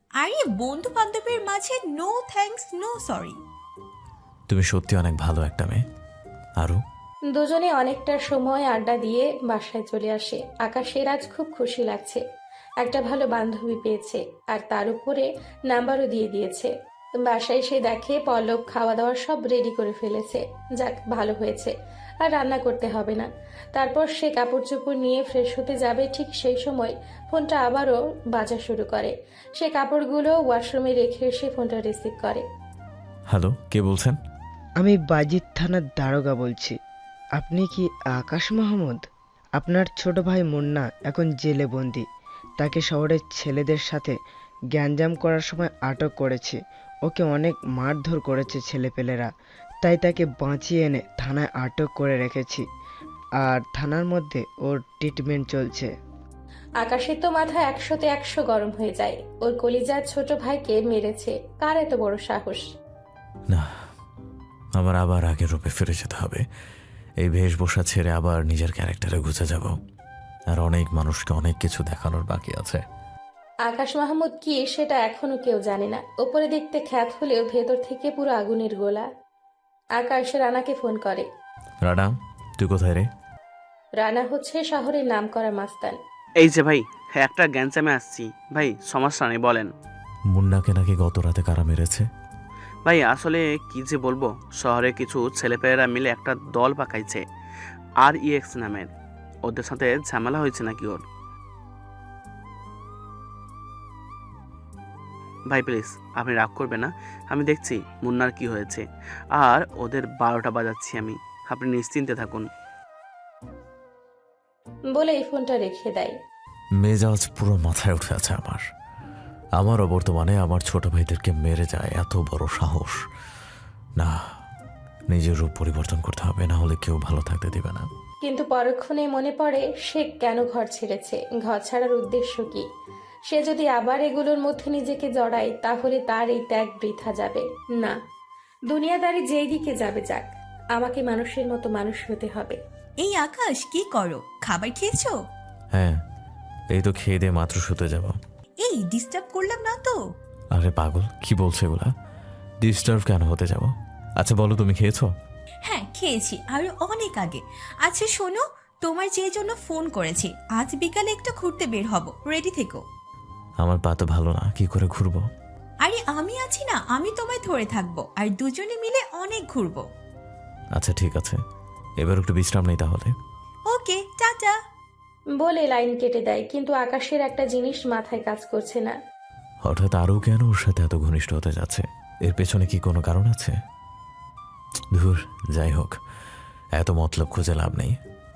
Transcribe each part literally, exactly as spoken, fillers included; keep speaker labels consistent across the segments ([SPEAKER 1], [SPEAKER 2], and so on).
[SPEAKER 1] আরে বন্ধু বান্ধবের মাঝে নো থ্যাঙ্কস নো সরি।
[SPEAKER 2] তুমি সত্যি অনেক ভালো একটা মেয়ে। আরও
[SPEAKER 3] দুজনে অনেকটা সময় আড্ডা দিয়ে বাসায় চলে আসে। আকাশের আজ খুব খুশি লাগছে, একটা ভালো বান্ধবী পেয়েছে, আর তার উপরে নাম্বারও দিয়ে দিয়েছে। বাসায় এসে দেখে পল্লব খাওয়া দাওয়া সব রেডি করে ফেলেছে। যাক, ভালো হয়েছে, আর রান্না করতে হবে না। তারপর সে কাপড় চোপড় নিয়ে ফ্রেশ হতে যাবে, ঠিক সেই সময় ফোনটা আবারও বাজা শুরু করে। সে কাপড়গুলো ওয়াশরুমে রেখে এসে ফোনটা রিসিভ করে।
[SPEAKER 2] হ্যালো, কে বলছেন?
[SPEAKER 4] আমি বাজিত থানার দারোগা বলছি। আপনি কি আকাশ মাহমুদ? আপনার ছোট ভাই মুন্না এখন জেলে বন্দি। তাকে শহরের ছেলেদের সাথে গ্যাঞ্জাম করার সময় আটক করেছে। ওকে অনেক মারধর করেছে ছেলেপেলেরা, তাই তাকে বাঁচিয়ে এনে থানায় আটক করে রেখেছি, আর থানার মধ্যে ওর ট্রিটমেন্ট চলছে।
[SPEAKER 3] আকাশের তো মাথা একশোতে একশো গরম হয়ে যায়। ওর কলিজার ছোট ভাইকে মেরেছে, কার এত বড় সাহস?
[SPEAKER 2] না, আমার আবার আগের রূপে ফিরে যেতে হবে। এই বেশভূষা ছেড়ে আবার নিজের ক্যারেক্টারে ঘুচে যাব, আর অনেক মানুষকে অনেক কিছু দেখানোর বাকি আছে।
[SPEAKER 3] আকাশ মাহমুদ কি সেটা এখনো কেউ জানে না। ওপরে দেখতে খ্যাত হলেও ভেতর থেকে পুরো আগুনের গোলা। আকাশ রানাকে ফোন করে।
[SPEAKER 2] রানা, তুই কোথায় রে?
[SPEAKER 3] রানা হচ্ছে শহরের নামকরা মাস্তান।
[SPEAKER 5] এই যে ভাই, হ্যাঁ একটা গ্যাঞ্জামে আসছি ভাই, সমস্যা নেই বলেন।
[SPEAKER 2] মুন্নাকে নাকি গত রাতে কারা মেরেছে?
[SPEAKER 5] ভাই আসলে কি যে বলবো, শহরে কিছু ছেলেপেলেরা মিলে একটা দল পাকাইছে, আর ইএক্স নামের। ওদের সাথে ঝামেলা হয়েছে নাকি ওর। ভাই প্লিজ আপনি রাগ করবেন না, আমি দেখছি মুন্নার কি হয়েছে, আর ওদের বারোটা বাজাচ্ছি আমি, আপনি নিশ্চিন্তে থাকুন।
[SPEAKER 3] বলে এই ফোনটা রেখে দেয়।
[SPEAKER 2] মেজাজ পুরো মাথায় উঠে আছে আমার। আমারও বর্তমানে আমার ছোট ভাইদেরকে মেরে যায় এত বড় সাহস। না, নিজের রূপ পরিবর্তন করতে হবে, না হলে কেউ ভালো থাকতে দিবে না।
[SPEAKER 3] কিন্তু পরক্ষণে মনে পড়ে সে কেন ঘর ছেড়েছে, ঘর ছাড়ার উদ্দেশ্য কি। সে যদি আবার এগুলোর মধ্যে নিজেকে জড়ায়, তাহলে তার এই ত্যাগ বৃথা যাবে না। দুনিয়াদারি যেই দিকে যাবে যাক, আমাকে মানুষের মতো মানুষ হতে হবে।
[SPEAKER 1] এই আকাশ, কি করো? খাবার খেয়েছো?
[SPEAKER 2] হ্যাঁ, এই তো খেয়ে দিয়ে মাত্র শুতে যাব।
[SPEAKER 1] এই ডিস্টার্ব করলাম না তো?
[SPEAKER 2] আরে পাগল, কি বলছো এগুলা? ডিস্টার্ব কেন হতে যাব? আচ্ছা বলো, তুমি খেয়েছো?
[SPEAKER 1] হ্যাঁ খেয়েছি, আরো অনেক আগে। আচ্ছা শোনো, তোমার যে জন্য ফোন করেছি, আজ বিকালে একটু ঘুরতে বের হব, রেডি থেকো।
[SPEAKER 2] আমার পা তো ভালো না, কি করে ঘুরবো?
[SPEAKER 1] আরে আমি আছি না, আমি তোমায় ধরে থাকবো, আর দুজনে মিলে অনেক ঘুরবো।
[SPEAKER 2] আচ্ছা ঠিক আছে, এবার একটু বিশ্রাম নেই তাহলে।
[SPEAKER 1] ওকে, টাটা।
[SPEAKER 3] বলে লাইন কেটে দেয়। কিন্তু আকাশের একটা জিনিস মাথায় কাজ করছে না।
[SPEAKER 2] হঠাৎ আরও কেন ওর সাথে এত ঘনিষ্ঠ হতে যাচ্ছে? এর পেছনে কি কোনো কারণ আছে? ধুর, যাই হোক, এত মতলব খুঁজে লাভ নেই।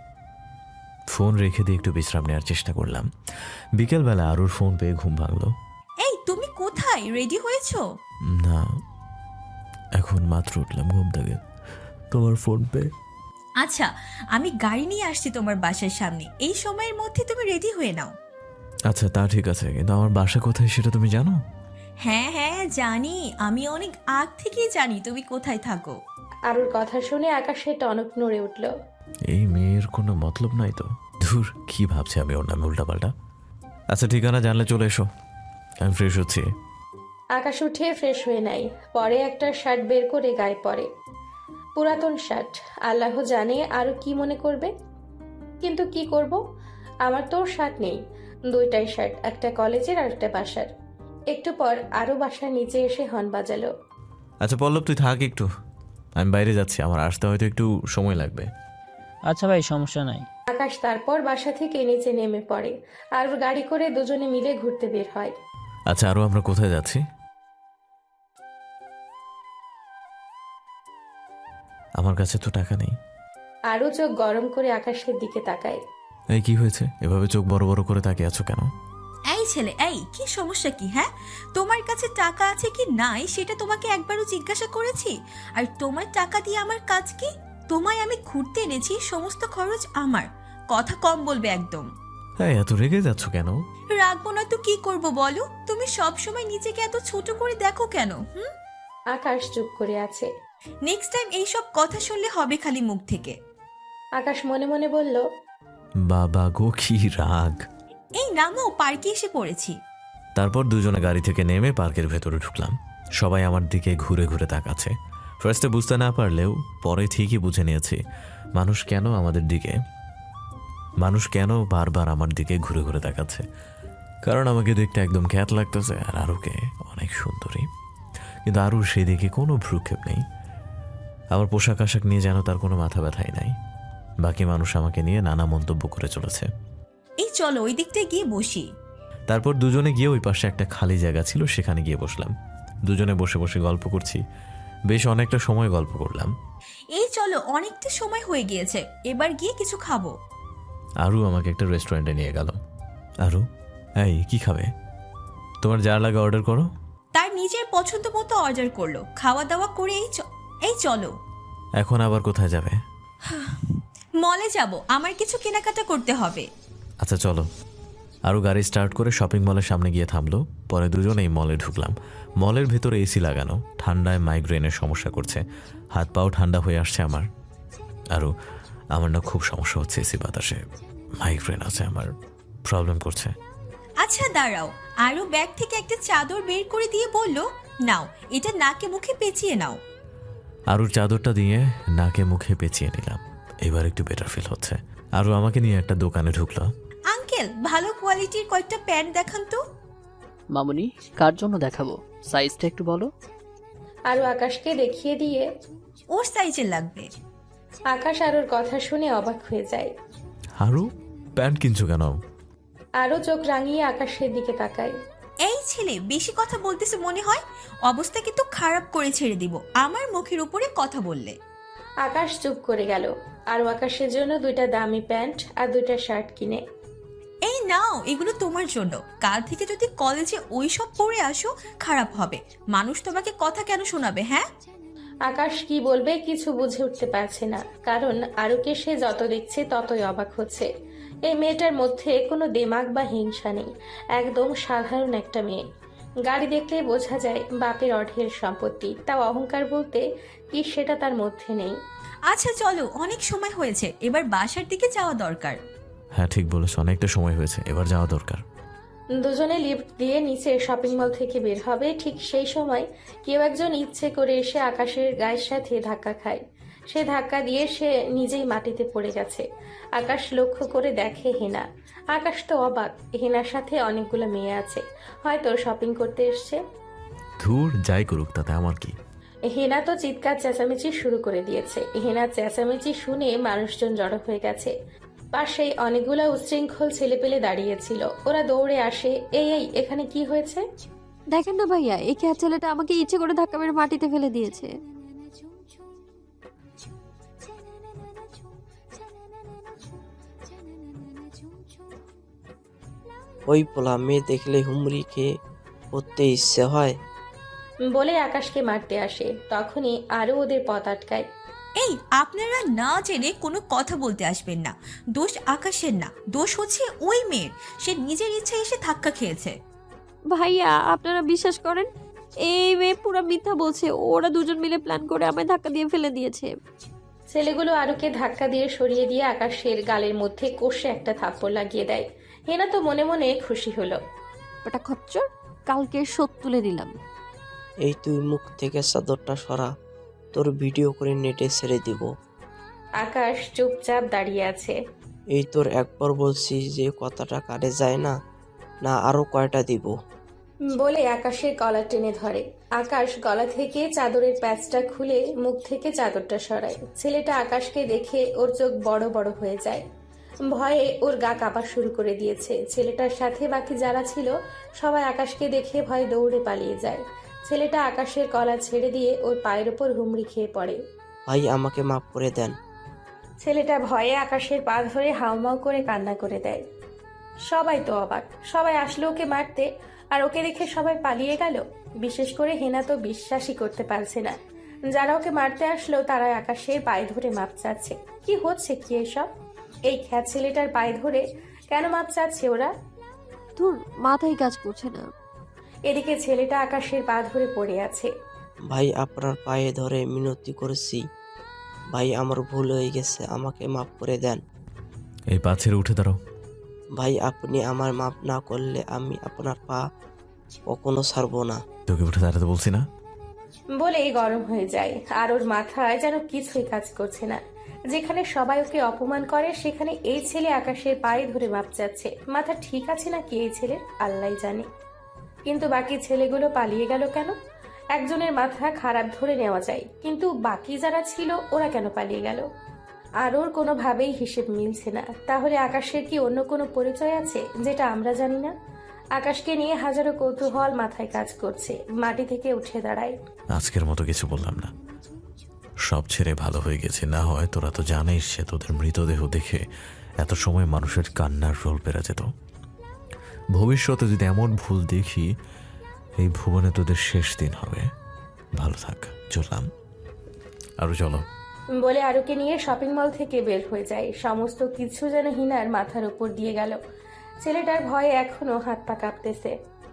[SPEAKER 2] ফোন রেখে দিয়ে একটু বিশ্রাম নেওয়ার চেষ্টা করলাম। বিকেলবেলা আরুর ফোন পেয়ে ঘুম ভাঙলো।
[SPEAKER 1] এই তুমি কোথায়? রেডি হয়েছো?
[SPEAKER 2] না, এখন মাত্র উঠলাম ঘুম থেকে, তোমার ফোন পেয়ে।
[SPEAKER 1] আচ্ছা, আমি গাড়ি নিয়ে আসছি তোমার বাসার সামনে, এই সময়ের মধ্যে তুমি রেডি হয়ে নাও।
[SPEAKER 2] আচ্ছা তা ঠিক আছে, কিন্তু আমার বাসা কোথায় সেটা তুমি জানো?
[SPEAKER 1] হ্যাঁ হ্যাঁ জানি, আমি অনেক আগ থেকেই জানি তুমি কোথায় থাকো।
[SPEAKER 3] আরুর কথা শুনে আকাশের টনক নড়ে উঠল।
[SPEAKER 2] এই মেয়ের কোনো মতলব নাই তো। ধুর, কি ভাবছি আমি ওর নামে উল্টাপাল্টা। আচ্ছা ঠিকানা জানলে চলে এসো, আমি ফ্রেশ হচ্ছি।
[SPEAKER 3] আকাশ উঠে ফ্রেশ হয়ে নেয়, পরে একটা শার্ট বের করে গায়ে পরে। পুরাতন শার্ট, আল্লাহ জানে আরো কি মনে করবে। কিন্তু কি করব, আমার তো শার্ট নেই। দুইটাই শার্ট, একটা কলেজের আর একটা বাসার। একটু পর আরো বাসার নিচে এসে হর্ন বাজালো।
[SPEAKER 2] আচ্ছা পল্লব, তুই থাক একটু, আমি বাইরে যাচ্ছি, আমার আসতে হয়তো একটু সময় লাগবে।
[SPEAKER 6] আচ্ছা ভাই, সমস্যা নাই।
[SPEAKER 3] আকাশ তারপর বাসা থেকে নিচে নেমে পড়ে, আর গাড়ি করে দুজনে মিলে ঘুরতে বের হয়।
[SPEAKER 2] আচ্ছা আরও আমরা কোথায় যাচ্ছি? আমার কাছে তো টাকা নেই।
[SPEAKER 3] আরো চোখ গরম করে আকাশের দিকে তাকায়।
[SPEAKER 2] এই কি হয়েছে, এভাবে চোখ বড় বড় করে তাকিয়ে আছো কেন?
[SPEAKER 1] এই ছেলে, এই কি সমস্যা কি? হ্যাঁ, তোমার কাছে টাকা আছে কি নাই সেটা তোমাকে একবারও জিজ্ঞাসা করেছি? আর তোমার টাকা দিয়ে আমার কাজ কি? তোমায় আমি ঘুরতে এনেছি, সমস্ত খরচ আমার। কথা কম বলবে একদম।
[SPEAKER 2] হ্যাঁ, এত রেগে যাচ্ছ কেন?
[SPEAKER 1] রাখবো না তো কি করব বলো? তুমি সব সময় নিজেকে এত ছোট করে দেখো কেন? হুম?
[SPEAKER 3] আকাশ চুপ করে আছে।
[SPEAKER 1] নেক্সট টাইম এইসব কথা শুনলে হবে খালি মুখ থেকে।
[SPEAKER 3] আকাশ মনে মনে বলল,
[SPEAKER 2] বাবা গো, কি রাগ!
[SPEAKER 1] এই নামও, পার্কে এসে পড়েছি।
[SPEAKER 2] তারপর দুজনে গাড়ি থেকে নেমে পার্কের ভেতরে ঢুকলাম। সবাই আমার দিকে ঘুরে ঘুরে তাকাচ্ছে। ফার্স্টে বুঝতে না পারলেও পরে ঠিকই বুঝে নিয়েছি মানুষ কেন আমাদের দিকে মানুষ কেন বারবার আমার দিকে ঘুরে ঘুরে তাকাচ্ছে। কারণ আমাকে দেখতে একদম খ্যাত লাগতেছে আর আরুকে অনেক সুন্দরী, কিন্তু আরু সেদিকে কোনো ভ্রুক্ষেপ নেই। আমার পোশাক আশাক নিয়ে যেন তার কোনো মাথা ব্যথাই নাই। বাকি মানুষ আমাকে নিয়ে নানা মন্তব্য করে চলেছে।
[SPEAKER 1] এই চলো ওই দিকটায় গিয়ে বসি।
[SPEAKER 2] তারপর দুজনে গিয়ে ওই পাশে একটা খালি জায়গা ছিল, সেখানে গিয়ে বসলাম। দুজনে বসে বসে গল্প করছি। বেশ অনেকটা সময় গল্প করলাম।
[SPEAKER 1] এই চলো অনেকটা সময় হয়ে গিয়েছে, এবার গিয়ে কিছু খাবো।
[SPEAKER 2] আরু আমাকে একটা রেস্টুরেন্টে নিয়ে গেল। আরু, এই কি খাবে? তোমার যা লাগে অর্ডার করো।
[SPEAKER 1] তার নিজের পছন্দ মতো অর্ডার করলো, খাওয়া দাওয়া করে এই চ- এই চলো।
[SPEAKER 2] এখন আবার কোথায় যাবে?
[SPEAKER 1] মলে যাব, আমার কিছু কেনাকাটা করতে হবে।
[SPEAKER 2] আচ্ছা চলো। আরও গাড়ি স্টার্ট করে শপিং মলের সামনে গিয়ে থামলো। পরে দুজনেই মলে ঢুকলাম। মলের ভেতরে এসি লাগানো, ঠান্ডায় মাইগ্রেনের সমস্যা করছে। হাত পাও ঠান্ডা হয়ে আসছে আমার। আরও আমার না খুব সমস্যা হচ্ছে এসি বাতাসে। মাইগ্রেন আছে আমার, প্রবলেম করছে।
[SPEAKER 1] আচ্ছা দাঁড়াও, আরও ব্যাগ থেকে একটা চাদর বের করে দিয়ে বলল, নাও এটা নাকে মুখে পেঁচিয়ে নাও।
[SPEAKER 2] আরুর চাদরটা দিয়ে নাকে মুখে পেঁচিয়ে নিলাম। এবার একটু বেটার ফিল হচ্ছে। আরও আমাকে নিয়ে একটা দোকানে ঢুকলো।
[SPEAKER 1] আঙ্কেল, ভালো কোয়ালিটির কয়েকটা প্যান্ট দেখান তো।
[SPEAKER 7] মামুনি, কার জন্য দেখাবো? সাইজটা একটু বলো।
[SPEAKER 3] আরও আকাশকে দেখিয়ে দিয়ে
[SPEAKER 1] ওর সাইজের লাগবে।
[SPEAKER 3] আকাশ আরুর কথা শুনে অবাক হয়ে যায়।
[SPEAKER 2] আরু, প্যান্ট কিনছো কেন?
[SPEAKER 3] আরও চোখ রাঙিয়ে আকাশের দিকে তাকায়।
[SPEAKER 1] এই ছেলে বেশি কথা বলতেছে মনে হয়, অবস্থা কিন্তু খারাপ করে ছেড়ে দিব আমার মুখের উপরে কথা বললে।
[SPEAKER 3] আকাশ চুপ করে গেল। আরও আকাশের জন্য দুইটা দামি প্যান্ট আর দুইটা শার্ট কিনে।
[SPEAKER 1] এই নাও, এগুলো তোমার জন্য। কাল থেকে যদি কলেজে ওই সব পরে আসো খারাপ হবে। মানুষ তোমাকে কথা কেন শোনাবে? হ্যাঁ,
[SPEAKER 3] আকাশ কি বলবে কিছু বুঝে উঠতে পারছে না, কারণ আরুকে সে যত দেখছে ততই অবাক হচ্ছে। এই মেয়েটার মধ্যে কোনো দেমাগ বা হিংসা নেই, একদম সাধারণ একটা মেয়ে। গাড়ি দেখলে বোঝা যায় বাপের অঢেল সম্পত্তি, তাও অহংকার বলতে কি সেটা তার মধ্যে নেই।
[SPEAKER 1] আচ্ছা চলো, অনেক সময় হয়েছে, এবার বাসার দিকে যাওয়া দরকার।
[SPEAKER 2] হ্যাঁ ঠিক বলেছ, অনেকটা সময় হয়েছে, এবার যাওয়া দরকার।
[SPEAKER 3] দুজনে লিফট দিয়ে নিচে শপিং মল থেকে বের হবে, ঠিক সেই সময় কেউ একজন ইচ্ছে করে এসে আকাশের গায়ের সাথে ধাক্কা খায়। সে ধাক্কা দিয়ে সে নিজেই মাটিতে পড়ে গেছে। আকাশ লক্ষ্য করে দেখে হেনা। আকাশ তো অবাক, হেনার সাথে অনেকগুলো মেয়ে আছে, হয়তো শপিং করতে এসছে।
[SPEAKER 2] ধুর, যাই করুক তাতে আমার কি।
[SPEAKER 3] হেনা তো চিৎকার চেঁচামেচি শুরু করে দিয়েছে। হেনার চেঁচামেচি শুনে মানুষজন জড়ো হয়ে গেছে। পাশেই অনেকগুলো উচ্ছৃঙ্খল ছেলেপেলে দাঁড়িয়েছিল। ওরা দৌড়ে আসে, এই এই এখানে কি হয়েছে?
[SPEAKER 8] দেখেন না ভাইয়া, এই খ্যাত ছেলেটা আমাকে ইচ্ছে করে ধাক্কা মেরে মাটিতে ফেলে দিয়েছে।
[SPEAKER 9] ওই পোলা মেয়ে দেখলে হুমড়ি খেয়ে পড়তে ইচ্ছে হয়।
[SPEAKER 3] বলে আকাশকে মারতে আসে, তখনই আরো ওদের পথ আটকায়।
[SPEAKER 1] এই আপনারা না জেনে কোনো কথা বলতে আসবেন না। দোষ আকাশের না, দোষ হচ্ছে ওই মেয়ের। সে নিজের ইচ্ছা এসে ধাক্কা খেয়েছে।
[SPEAKER 8] ভাইয়া আপনারা বিশ্বাস করেন, এই মেয়ে পুরো মিথ্যা বলছে। ওরা দুজন মিলে প্ল্যান করে আমায় ধাক্কা দিয়ে ফেলে দিয়েছে।
[SPEAKER 3] ছেলেগুলো আরুকে ধাক্কা দিয়ে সরিয়ে দিয়ে আকাশের গালের মধ্যে কষে একটা থাপ্পড় লাগিয়ে দেয়। হেনা তো মনে মনে খুশি হলো।
[SPEAKER 8] ওটা খচ্চর, কালকে শোধ তুলে দিলাম।
[SPEAKER 9] এই তুই মুখ থেকে চাদরটা সরা, তোর ভিডিও করে নেটে ছেড়ে দিব।
[SPEAKER 3] আকাশ চুপচাপ দাঁড়িয়ে আছে।
[SPEAKER 9] এই তোর একবার বলছি যে কথাটা কাটে যায় না, না আরো কয়টা দিব?
[SPEAKER 3] বলে আকাশের গলা টেনে ধরে। আকাশ গলা থেকে চাদরের প্যাচটা খুলে মুখ থেকে চাদরটা সরায়। ছেলেটা আকাশকে দেখে ওর চোখ বড় বড় হয়ে যায়। ভয়ে ওর গা কাঁপা শুরু করে দিয়েছে। ছেলেটার সাথে বাকি যারা ছিল সবাই আকাশকে দেখে ভয়ে দৌড়ে পালিয়ে যায়। ছেলেটা আকাশের গলা ছেড়ে দিয়ে ওর পায়ের ওপর হুমড়ি খেয়ে পড়ে।
[SPEAKER 9] ভাই আমাকে মাফ করে দেন।
[SPEAKER 3] ছেলেটা ভয়ে আকাশের পা ধরে হাউমাউ করে কান্না করে দেয়। সবাই তো অবাক, সবাই আসলো ওকে মারতে, আর ওকে দেখে সবাই পালিয়ে গেল। বিশেষ করে হেনা তো বিশ্বাসই করতে পারছে না। যারা ওকে মারতে আসলো তারা আকাশের পায়ে ধরে মাপ চাচ্ছে। কি হচ্ছে কি এসব? এই খ্যাত ছেলেটার পায়ে ধরে কেন মাপ চাচ্ছে ওরা?
[SPEAKER 8] ধুর, মাথায় কাজ করছে না।
[SPEAKER 3] এদিকে ছেলেটা আকাশের পা ধরে পড়ে আছে।
[SPEAKER 9] ভাই আপনার পায়ে ধরে মিনতি করেছি, ভাই আমার ভুল হয়ে গেছে, আমাকে মাফ করে দেন।
[SPEAKER 2] এই পা ছেড়ে উঠে দাঁড়াও।
[SPEAKER 9] ভাই আপনি আমার মাফ না করলে আমি আপনার পা কখনো ছাড়বো না।
[SPEAKER 2] তোকে উঠে দাঁড়াতে বলছি না?
[SPEAKER 3] বলেই গরম হয়ে যায় আর ওর মাথায় যেন কিছুই কাজ করছে না। যেখানে সবাই ওকে অপমান করে সেখানে এই ছেলে আকাশের পায়ে ধরে মাপ যাচ্ছে। মাথা ঠিক আছে নাকি এই ছেলের আল্লাহই জানে। কিন্তু বাকি ছেলেগুলো পালিয়ে গেল কেন? একজনের মাথা খারাপ ধরে নেওয়া যায়, কিন্তু বাকি যারা ছিল ওরা কেন পালিয়ে গেল? আর ওর কোনোভাবেই হিসেব মিলছে না। তাহলে আকাশের কি অন্য কোনো পরিচয় আছে যেটা আমরা জানি না? আকাশকে নিয়ে হাজারো কৌতূহল মাথায় কাজ করছে। মাটি থেকে উঠে দাঁড়ায়।
[SPEAKER 2] আজকের মতো কিছু বললাম না, সব ছেড়ে ভালো হয়ে গেছে। না হয় তোরা তো জানিস সে তোদের মৃতদেহ দেখে এত সময় মানুষের কান্নার রোল পেরা যেত। ভবিষ্যতে যদি এমন ভুল দেখি, এই ভুবনে তোদের শেষ দিন হবে। ভালো থাক, চললাম। আরো চলো।
[SPEAKER 3] বলে আরুকে নিয়ে শপিং মল থেকে বের হয়ে যায়। সমস্ত কিছু যেন হিনার মাথার উপর দিয়ে গেল। ছেলেটার ভয়ে এখনো হাত পা কাঁপতেছে।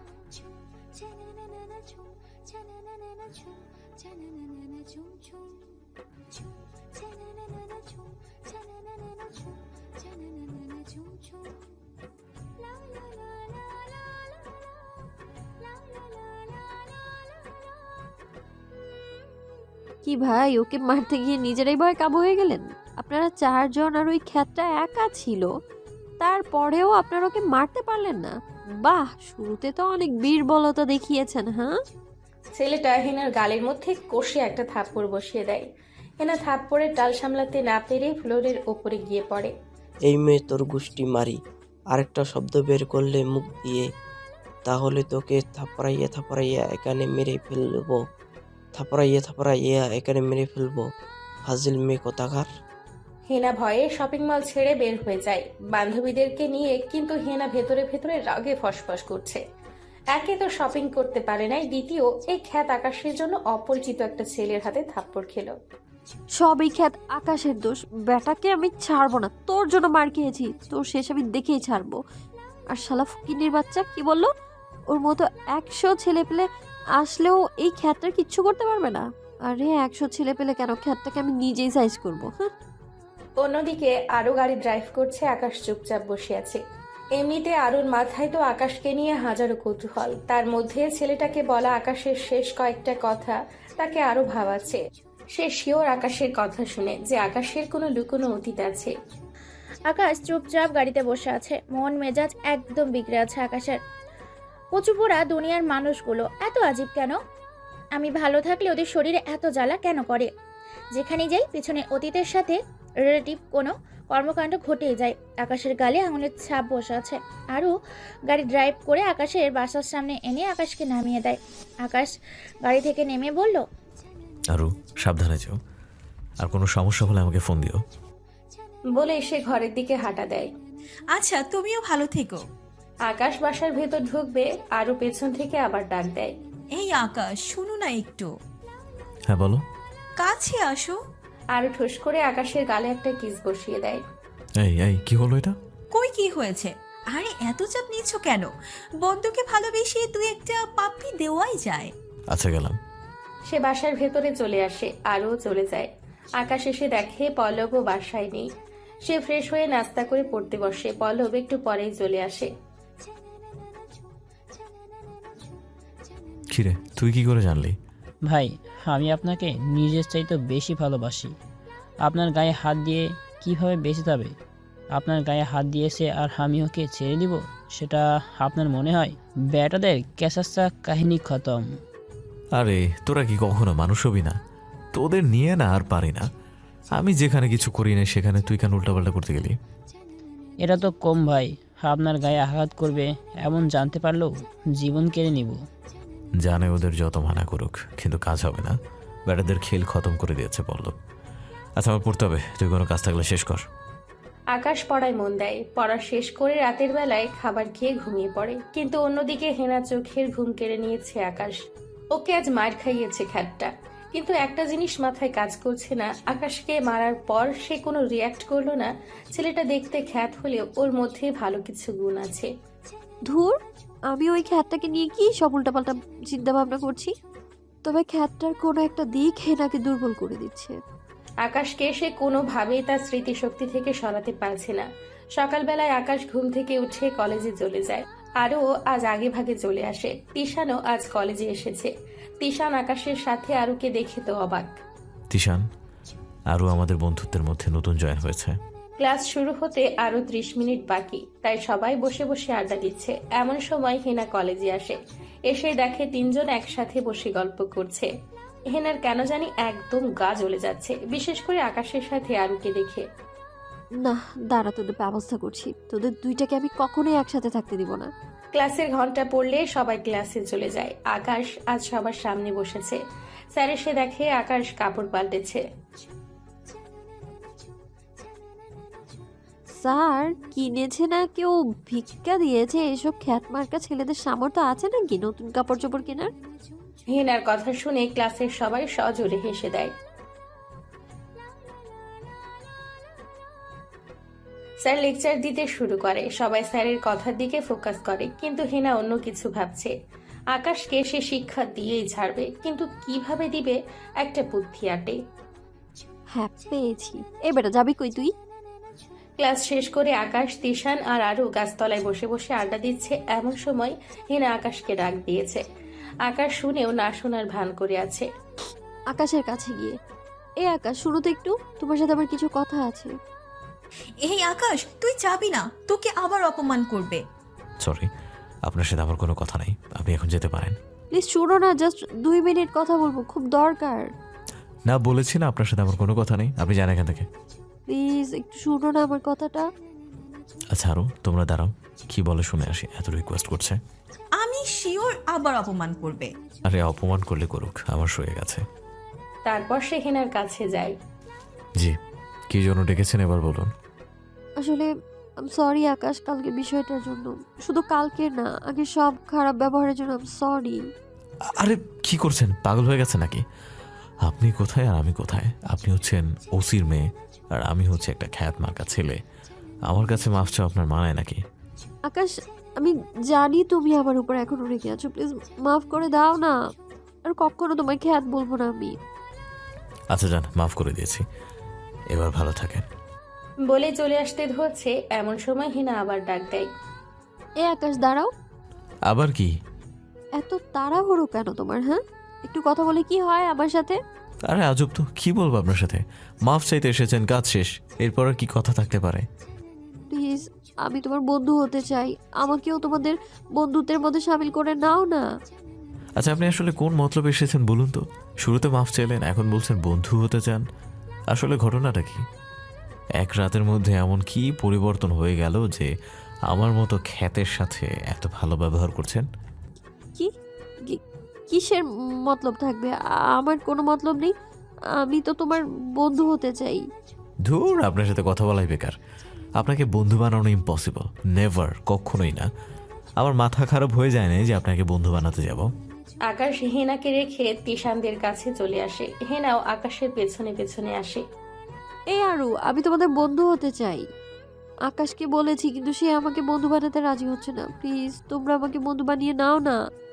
[SPEAKER 8] কি ভাই, ওকে মারতে গিয়ে নিজেরাই ভয় কাবু হয়ে গেলেন? আপনারা চারজন আর ওই খ্যাতটা একা ছিল, তারপরেও আপনারা ওকে মারতে পারলেন না? বাহ, শুরুতে তো অনেক বীরবলতা দেখিয়েছেন। হ্যাঁ,
[SPEAKER 3] ছেলেটা হেনার গালের মধ্যে কষে একটা থাপ্পড় বসিয়ে দেয়। হেনা থাপ্পড়ের টাল সামলাতে না পেরে ফ্লোরের ওপরে গিয়ে পড়ে।
[SPEAKER 9] এই মেয়ে তোর গুষ্টি মারি, আরেকটা শব্দ বের করলে মুখ দিয়ে, তাহলে তোকে থাপড়াইয়া থাপড়াইয়া এখানে মেরে ফেলবো। থাপড়াইয়া থাপড়াইয়া এখানে মেরে ফেলবো, ফাজিল মেয়ে কোথাকার।
[SPEAKER 3] হেনা ভয়ে শপিং মল ছেড়ে বের হয়ে যায় বান্ধবীদেরকে নিয়ে। কিন্তু হেনা ভেতরে ভেতরে রাগে ফসফস করছে। একে তো শপিং করতে পারে নাই, দ্বিতীয় এই খ্যাত আকাশের জন্য অপরিচিত একটা ছেলের হাতে থাপ্পড় খেলো।
[SPEAKER 8] সবই খ্যাত আকাশের দোষ। বেটাকে আমি ছাড়বো না, তোর জন্য মার খেয়েছি, তোর শেষ আমি দেখেই ছাড়বো। আর শালা ফকিন্নির বাচ্চা কি বললো? ওর মতো একশো ছেলে পেলে আসলেও এই খ্যাতটা কিচ্ছু করতে পারবে না। আরে একশো ছেলে পেলে কেন, খ্যাতটাকে আমি নিজেই সাইজ করবো। হ্যাঁ,
[SPEAKER 3] অন্যদিকে আরো গাড়ি ড্রাইভ করছে, আকাশ চুপচাপ বসে আছে। এমনিতে আরুর মাথায় তো আকাশকে নিয়ে হাজারো কৌতূহল। তার মধ্যে ছেলেটাকে বলা আকাশের শেষ কয়েকটা কথা তাকে আরো ভাবাচ্ছে। সে শিওর আকাশের কথা শুনে যে আকাশের কোনো লুকোনো অতীত আছে।
[SPEAKER 10] আকাশ চুপচাপ গাড়িতে বসে আছে, মন মেজাজ একদম বিগড়ে আছে আকাশের। কচুপোড়া দুনিয়ার মানুষগুলো এত আজীব কেন? আমি ভালো থাকলে ওদের শরীরে এত জ্বালা কেন করে? যেখানে যাই পিছনে অতীতের সাথে রিলেটিভ কোনো কর্মকাণ্ড ঘটেই যায়। আকাশের গালে আঙুলের ছাপ বসে আছে। আরও গাড়ি ড্রাইভ করে আকাশের বাসার সামনে এনে আকাশকে নামিয়ে দেয়। আকাশ গাড়ি থেকে নেমে বলল,
[SPEAKER 2] আরো সাবধানে যেও, আর কোনো সমস্যা হলে আমাকে ফোন দিও।
[SPEAKER 3] বলে সে ঘরের দিকে হাঁটা দেয়।
[SPEAKER 1] আচ্ছা, তুমিও ভালো থেকো।
[SPEAKER 3] আকাশ বাসার ভেতর ঢুকবে, আরও পেছন থেকে আবার ডাক দেয়।
[SPEAKER 1] এই আকাশ, শুনো না একটু,
[SPEAKER 2] হ্যাঁ বলো।
[SPEAKER 1] কাছে আসো।
[SPEAKER 3] আরও ঠোস করে আকাশের গালে একটা কিস বসিয়ে দেয়।
[SPEAKER 2] এই এই কি হলো এটা?
[SPEAKER 1] কই কি হয়েছে? আরে এত চাপ নিচ্ছ কেন? বন্ধুকে ভালোবেসে তুই একটা পাপ্পি দেওয়াই যায়।
[SPEAKER 2] আচ্ছা গেলাম।
[SPEAKER 3] সে বাসার ভেতরে চলে আসে, আরও চলে যায়। আকাশ এসে দেখে পল্লবও বাসায় নেই। সে ফ্রেশ হয়ে নাস্তা করে পড়তে বসে। পল্লব একটু পরেই চলে আসে।
[SPEAKER 2] কিরে, তুই কি করে জানলি?
[SPEAKER 6] ভাই, আমি আপনাকে নিজের চাইতে বেশি ভালোবাসি। আপনার গায়ে হাত দিয়ে কিভাবে বেঁচে যাবে? আপনার গায়ে হাত দিয়েছে আর আমি ওকে ছেড়ে দিব, সেটা আপনার মনে হয়? বেটাদের ক্যাসাচ্চা কাহিনী খতম।
[SPEAKER 2] আরে তোরা কি কখনো মানুষ হবি না? তোদের নিয়ে না আর পারি না। আমি যেখানে কিছু করি না সেখানে তুই কেন উল্টাপাল্টা করতে গেলি?
[SPEAKER 6] এটা তো কম ভাই, আপনার গায়ে আঘাত করবে এমন জানতে পারলেও জীবন কেড়ে নিব।
[SPEAKER 2] জানে ওদের যত মানা করুক, কিন্তু কাজ হবে না। বেটাদের খেল খতম করে দিয়েছে পল্লব। আচ্ছা আমার পড়তে হবে, তুই কোনো কাজ থাকলে শেষ কর।
[SPEAKER 3] আকাশ পড়ায় মন দেয়। পড়া শেষ করে রাতের বেলায় খাবার খেয়ে ঘুমিয়ে পড়ে। কিন্তু অন্যদিকে হেনা চোখের ঘুম কেড়ে নিয়েছে আকাশ। ওকে আজ মার খাইয়েছে খ্যাতটা। কিন্তু একটা জিনিস মাথায় কাজ করছে না, আকাশকে মারার পর সে কোনো রিয়াক্ট করলো না। ছেলেটা দেখতে খ্যাত হলেও ওর মধ্যে ভালো কিছু গুণ আছে।
[SPEAKER 8] ধুর, আমি ওই খ্যাতটাকে নিয়ে কি সব উল্টাপাল্টা চিন্তা ভাবনা করছি। তবে খ্যাতটার কোনো একটা দিক হেনাকে দুর্বল করে দিচ্ছে।
[SPEAKER 3] আকাশকে সে কোনোভাবেই তার স্মৃতিশক্তি থেকে সরাতে পারছে না। সকালবেলায় আকাশ ঘুম থেকে উঠে কলেজে চলে যায়। আরও আজ আগে ভাগে চলে আসে। তিশানও আজ কলেজে এসেছে। তিশান আকাশের সাথে আরুকে দেখে তো অবাক।
[SPEAKER 2] তিশান, আরও আমাদের বন্ধুত্বের মধ্যে নতুন জয়েন হয়েছে।
[SPEAKER 3] ক্লাস শুরু হতে আরো ত্রিশ মিনিট বাকি, তাই সবাই বসে বসে আড্ডা দিচ্ছে। এমন সময় হেনা কলেজে আসে। এসে দেখে তিনজন একসাথে বসে গল্প করছে। হেনার কেন জানি একদম গা জ্বলে যাচ্ছে, বিশেষ করে আকাশের সাথে আরুকে দেখে।
[SPEAKER 8] না দাঁড়া, তোদের ব্যবস্থা করছি। তোদের দুইটাকে আমি কখনোই একসাথে থাকতে দিব না।
[SPEAKER 3] ক্লাসের ঘন্টা পড়লে সবাই ক্লাসে চলে যায়। আকাশ আজ সবার সামনে বসেছে। স্যার এসে দেখে আকাশ কাপড় পাল্টেছে।
[SPEAKER 8] স্যার, কিনেছে না কেউ ভিক্ষা দিয়েছে? এসব খ্যাত মার্কা ছেলেদের সামর্থ্য আছে নাকি নতুন কাপড় চোপড় কেনার?
[SPEAKER 3] হেনার কথা শুনে ক্লাসের সবাই সজোরে হেসে দেয়। স্যার লেকচার দিতে শুরু করে। সবাই স্যারের কথার দিকে ফোকাস করে, কিন্তু হেনা অন্য কিছু ভাবছে। আকাশকে সে শিক্ষা দিয়েই ছাড়বে, কিন্তু কিভাবে দিবে একটা বুদ্ধি আটে।
[SPEAKER 8] হ্যাঁ পেয়েছি। এ বেটা যাবি কই তুই?
[SPEAKER 3] ক্লাস শেষ করে আকাশ, তিশান আর আরু গাছতলায় বসে বসে আড্ডা দিচ্ছে। এমন সময় হেনা আকাশকে ডাক দিয়েছে। আকাশ শুনেও না শোনার ভান করে আছে।
[SPEAKER 8] আকাশের কাছে গিয়ে, এ আকাশ শুনো তো একটু, তোমার সাথে আমার কিছু কথা আছে।
[SPEAKER 1] এই আকাশ, তুই যাবি না, তোকে আবার অপমান করবে।
[SPEAKER 2] সরি, আপনার সাথে আমার কোনো কথা নেই, আপনি এখন যেতে পারেন।
[SPEAKER 8] প্লিজ শুনো না, জাস্ট দুই মিনিট কথা বলবো, খুব দরকার।
[SPEAKER 2] না, বলেছি না আপনার সাথে আমার কোনো কথা নেই, আপনি যান এখান থেকে।
[SPEAKER 8] প্লিজ একটু শুনো না আমার কথাটা।
[SPEAKER 2] আচ্ছা আরও, তোমরা দাঁড়াও, কি বলে শুনে আসি। এত রিকোয়েস্ট করছে।
[SPEAKER 1] আমি শিওর আবার অপমান করবে।
[SPEAKER 2] আরে অপমান করলে করুক, আমার শুয়ে গেছে।
[SPEAKER 3] তারপর সে হেনার কাছে যায়।
[SPEAKER 2] জি, কি জন্য ডেকেছেন এবার বলুন।
[SPEAKER 8] আসলে আম সরি আকাশ, কালকে বিষয়টার জন্য। শুধু কালকে না, আগে সব খারাপ ব্যবহারের জন্য আম সরি।
[SPEAKER 2] আরে কি করছেন, পাগল হয়ে গেছে নাকি? আপনি কোথায় আর আমি কোথায়? আপনি হচ্ছেন ওসির মেয়ে আর আমি হচ্ছে একটা খ্যাত মার্কা ছেলে। আমার কাছে মাফ চাও আপনার মানায় নাকি?
[SPEAKER 8] আকাশ, আমি জানি তুমি আমার উপর এখনো রেগে আছো, প্লিজ মাফ করে দাও না। আর কখনো তোমায় খ্যাত বলবো না আমি।
[SPEAKER 2] আচ্ছা যান, মাফ করে দিয়েছি, এবার ভালো থাকেন।
[SPEAKER 3] বলে চলে আসতে ধরছে, এমন সময় হেনা আবার ডাক দেয়।
[SPEAKER 8] এ আকাশ দাঁড়াও।
[SPEAKER 2] আবার কি?
[SPEAKER 8] এত তাড়াহুড়ো কেন তোমার? হ্যাঁ, একটু কথা বলে কি হয় আমার সাথে?
[SPEAKER 2] আরে আজব তো, কি বলবো আপনার সাথে? মাফ চাইতে এসেছেন, কাজ শেষ, এরপর আর কি কথা থাকতে পারে?
[SPEAKER 8] প্লিজ, আমি তোমার বন্ধু হতে চাই, আমাকেও তোমাদের বন্ধুত্বের মধ্যে সামিল করে নাও না।
[SPEAKER 2] আচ্ছা আপনি আসলে কোন মতলবে এসেছেন বলুন তো? শুরুতে মাফ চাইলেন, এখন বলছেন বন্ধু হতে চান। আসলে ঘটনাটা কি? এক রাতের মধ্যে এমন কি পরিবর্তন হয়ে গেল যে আমার মতো খ্যাতের সাথে এত ভালো ব্যবহার করছেন?
[SPEAKER 8] কি কি- কিসের মতলব থাকবে? আ- আমার কোনো মতলব নেই, আমি তো তোমার বন্ধু হতে চাই।
[SPEAKER 2] ধুর, আপনার সাথে কথা বলাই বেকার। আপনাকে বন্ধু বানানো ইম্পসিবল, নেভার, কখনোই না। আমার মাথা খারাপ হয়ে যায় না যে আপনাকে বন্ধু বানাতে যাব।
[SPEAKER 3] আকাশ হেনাকে রেখে তিশানদের কাছে চলে আসে। হেনাও আকাশের পেছনে পেছনে আসে।
[SPEAKER 8] এই আরু, আমি তোমাদের বন্ধু হতে চাই। আকাশকে বলেছি, কিন্তু সে আমাকে বন্ধু বানাতে রাজি হচ্ছে না। প্লিজ তোমরা আমাকে বন্ধু বানিয়ে নাও না।